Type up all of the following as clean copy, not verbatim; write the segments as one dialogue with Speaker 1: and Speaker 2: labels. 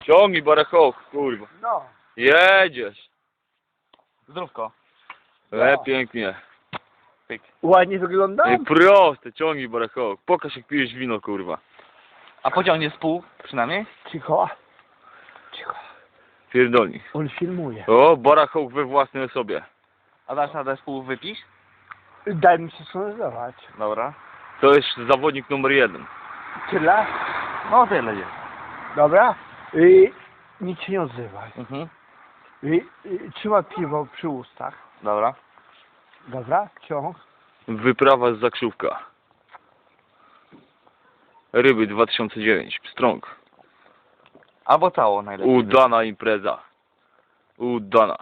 Speaker 1: Ciągnij barachołk, kurwa.
Speaker 2: No.
Speaker 1: Jedziesz.
Speaker 3: Zdrówko.
Speaker 1: Pięknie.
Speaker 3: Pyk.
Speaker 2: Ładnie wygląda?
Speaker 1: Proste, ciągnij barachołk. Pokaż jak pijesz wino, kurwa.
Speaker 3: A pociągnie z pół przynajmniej?
Speaker 2: Cicho. Cicho.
Speaker 1: Pierdolnij.
Speaker 2: On filmuje.
Speaker 1: O, barachołk we własnej osobie.
Speaker 3: A dasz radę z pół wypić?
Speaker 2: Daj mi się skontrolować.
Speaker 3: Dobra.
Speaker 1: To jest zawodnik numer 1.
Speaker 2: Tyle?
Speaker 3: No tyle jest.
Speaker 2: Dobra? I nic się nie odzywaj.
Speaker 3: Mhm.
Speaker 2: I trzymaj piwo przy ustach.
Speaker 3: Dobra.
Speaker 2: Dobra? Ciąg.
Speaker 1: Wyprawa z Zakrzówka. Ryby 2009. Pstrąg.
Speaker 3: Albo całą najlepiej.
Speaker 1: Udana impreza. Udana.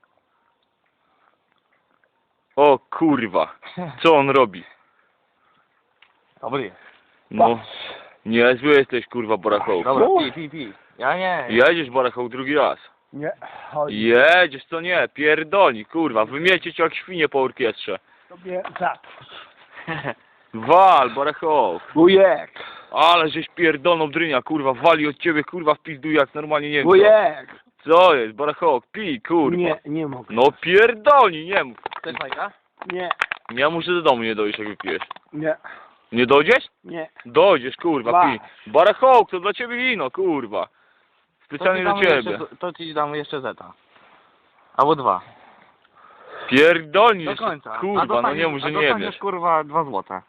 Speaker 1: O kurwa. Co on robi?
Speaker 3: Dobry.
Speaker 1: No. Niezły jesteś, kurwa, barachołk.
Speaker 3: Dobra,
Speaker 2: No.
Speaker 3: pij. Ja nie.
Speaker 1: Jedziesz, barachołk, drugi raz.
Speaker 2: Nie. Chodź.
Speaker 1: Jedziesz, to nie. Pierdolni, kurwa. Wymiecie cię jak świnie po orkiestrze.
Speaker 2: Sobie za.
Speaker 1: Wal, barachołk.
Speaker 2: Wujek.
Speaker 1: Ale żeś pierdolną drynia, kurwa. Wali od ciebie, kurwa, w pizdu jak normalnie nie wiem co.
Speaker 2: Wujek.
Speaker 1: Co jest, barachołk? Pij, kurwa.
Speaker 2: Nie mogę.
Speaker 1: No pierdolni, nie mów.
Speaker 3: Chcesz fajka?
Speaker 2: Nie.
Speaker 1: Ja muszę do domu nie dojść, jak wypijesz.
Speaker 2: Nie.
Speaker 1: Nie dojdziesz?
Speaker 2: Nie.
Speaker 1: Dojdziesz, kurwa,
Speaker 2: Ba.
Speaker 1: pij. Barachołk, to dla ciebie wino, kurwa. Specjalnie do ciebie.
Speaker 3: To ci damy jeszcze zeta. Albo 2.
Speaker 1: Pierdolni,
Speaker 3: Do
Speaker 1: jeszcze,
Speaker 3: końca.
Speaker 1: kurwa, no nie mów, że nie
Speaker 3: dostaniesz,
Speaker 1: wiesz.
Speaker 3: kurwa 2 złote.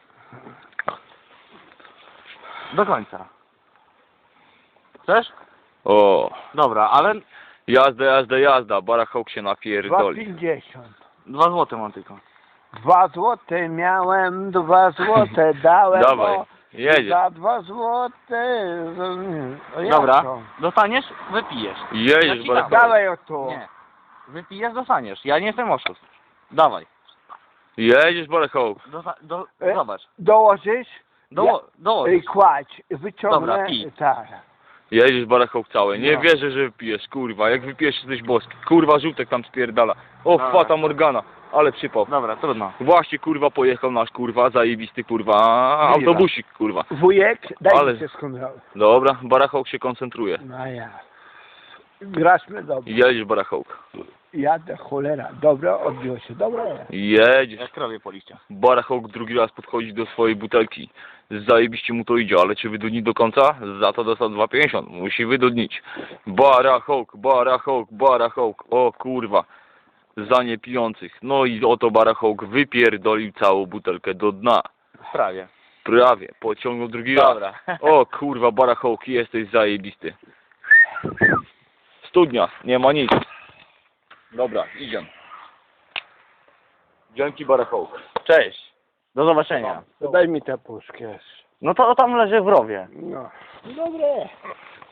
Speaker 3: Do końca. Chcesz?
Speaker 1: O,
Speaker 3: Dobra, ale
Speaker 1: jazda, barachołk się napierdoli.
Speaker 2: 2,50.
Speaker 3: 2 złote mam tylko.
Speaker 2: 2 złote miałem, 2 złote dałem.
Speaker 1: Dawaj,
Speaker 2: o,
Speaker 1: jedziesz.
Speaker 2: Za 2 złote. O, jak
Speaker 3: Dobra,
Speaker 2: to?
Speaker 3: dostaniesz, wypijesz.
Speaker 1: Jedziesz,
Speaker 3: ci
Speaker 1: barachołk.
Speaker 2: Dawaj o to.
Speaker 3: Nie. Wypijesz, dostaniesz. Ja nie jestem oszust. Dawaj.
Speaker 1: Jedziesz, barachołk.
Speaker 3: Zobacz.
Speaker 2: Dołożysz?
Speaker 3: Dołożysz.
Speaker 2: Kładź. Wyciągnę.
Speaker 3: Dobra, pij.
Speaker 2: Tak.
Speaker 1: Jedziesz, barachołk cały. Nie
Speaker 2: No.
Speaker 1: wierzę, że wypijesz, kurwa. Jak wypijesz, jesteś boski. Kurwa, żółtek tam spierdala. O,
Speaker 3: Dobra.
Speaker 1: fata Morgana. Ale przypał.
Speaker 3: Dobra, trudno.
Speaker 1: Właśnie, kurwa, pojechał nasz, kurwa, zajebisty, kurwa, autobusik, kurwa.
Speaker 2: Wujek, daj
Speaker 1: Ale-
Speaker 2: mi się skontrolować.
Speaker 1: Dobra, barachołk się koncentruje.
Speaker 2: No ja. Graśmy dobrze.
Speaker 1: Jedziesz, barachołk.
Speaker 2: Jadę, cholera. Dobra, odbiło się. Dobra.
Speaker 1: Jedziesz.
Speaker 3: Jak krowie po liściach.
Speaker 1: Barachołk drugi raz podchodzi do swojej butelki. Zajebiście mu to idzie, ale czy wydudni do końca? Za to dostał 2,50. Musi wydudnić. Barachołk. O kurwa. Za niepijących. No i oto barachołk wypierdolił całą butelkę do dna.
Speaker 3: Prawie.
Speaker 1: Prawie. Pociągnął drugi raz.
Speaker 3: Dobra.
Speaker 1: O kurwa, barachołk, jesteś zajebisty. Studnia, nie ma nic. Dobra, idziemy. Dzięki, barachołk.
Speaker 3: Cześć. Do zobaczenia.
Speaker 2: To daj mi tę puszkę.
Speaker 3: No to tam leży w rowie.
Speaker 2: No. Dobre.